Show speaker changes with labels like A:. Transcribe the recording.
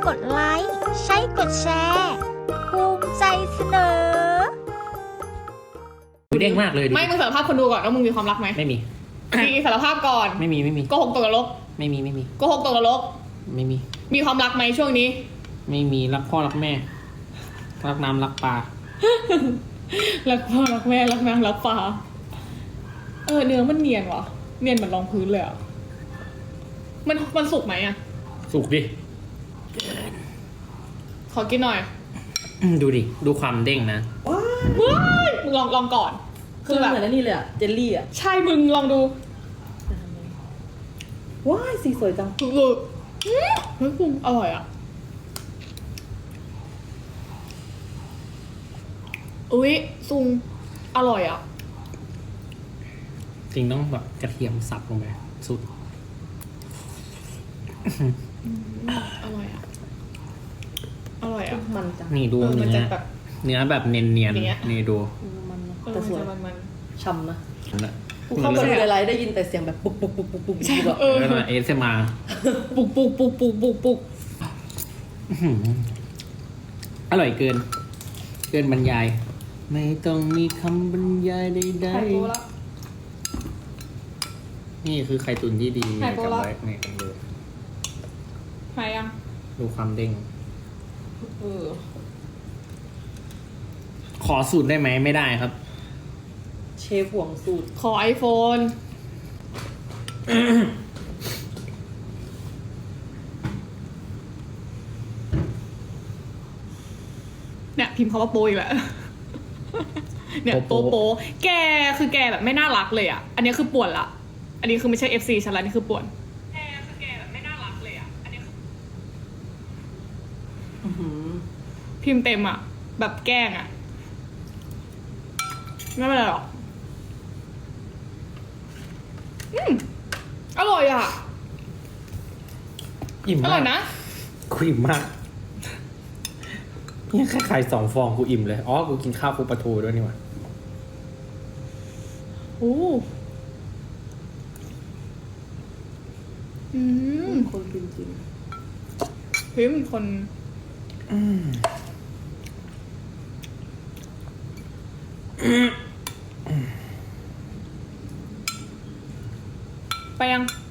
A: กดไลค์ใช้กดแชร์ภูมิใจเสนอ
B: เด้งมากเลยดิ
C: ไม่มึงสารภาพคนดูก่อนว่ามึงมีความรักไหม
B: ไม่มี
C: ดีสารภาพก่อน
B: ไม่มี
C: โกหกตกนรก
B: ไม่มี
C: โกหกตกนรก
B: ไม่มี
C: มีความรักไหมช่วงนี้
B: ไม่มีรักพ่อรักแม่รักน้ำรักปลา
C: รักพ่อรักแม่รักนางรักปลาเนื้อมันเนียนวะเนียนเหมือนรองพื้นเลยอ่ะมันสุกไหมอ่ะ
B: สุกดิ
C: ขอกินหน่อย
B: ดูดิดูความเด้งนะ
C: ว้ายมึงลองก่อน
D: คือแบบเหมือนนี่เลยอะเจลลี่อะ
C: ใช่มึงลองดู
D: ว้ายสีสวยจัง
C: เฮ้ยคุณอร่อยอ่ะอุ๊ยซุงอร่อยอ่ะ
B: จริงต้องแบบกระเทียมสับลงไปสุด
C: อร่อยอ่ะอร่อยอ่ะ
D: มันจัง
B: นี่ดูเนื้อเนื้อแบบเนียนนี่ดู
D: มันแต่สวย
C: มัน
D: ช่ำนะกูเข้ามาดูไลฟ์ได้ยินแต่เสียงแบบปุ๊กปุ๊กปุ๊กปุ๊กปุ๊กแบบ
B: แล้วมาเอสมา
C: ปุก
B: อร่อยเกินบรรยายไม่ต้องมีคำบรรยายใดๆนี่คือไข่ตุ๋นที่ดีกับไว้เนี่ยกันเลย
C: หายยัง
B: ดูความเด้งขอสูตรได้ไหมไม่ได้ครับ
D: เชฟห่วงสูตร
C: ขอ iPhone เนี่ยพิมพ์คำว่าโปอีกแล้วเนี่ยโปแกคือแกแบบไม่น่ารักเลยอ่ะอันนี้คือป่วนละอันนี้คือไม่ใช่ FC ฉันละนี่คือป่วนแกคือแกแบบไม่น่ารักเลยอ่ะอันนี้คือพิมพ์เต็มอ่ะแบบแกล้งอ่ะไม่เป็นไรหรอกอร่อยอ่ะ
B: อิ่มมาก
C: อร่อยนะ
B: กูอิ่มมากนี่แค่ไข่2 ฟองกูอิ่มเลยอ๋อกูกินข้าวปูปลาทูด้วยนี่หว่า
D: คนจริง
C: พิมพ์คนไปยัง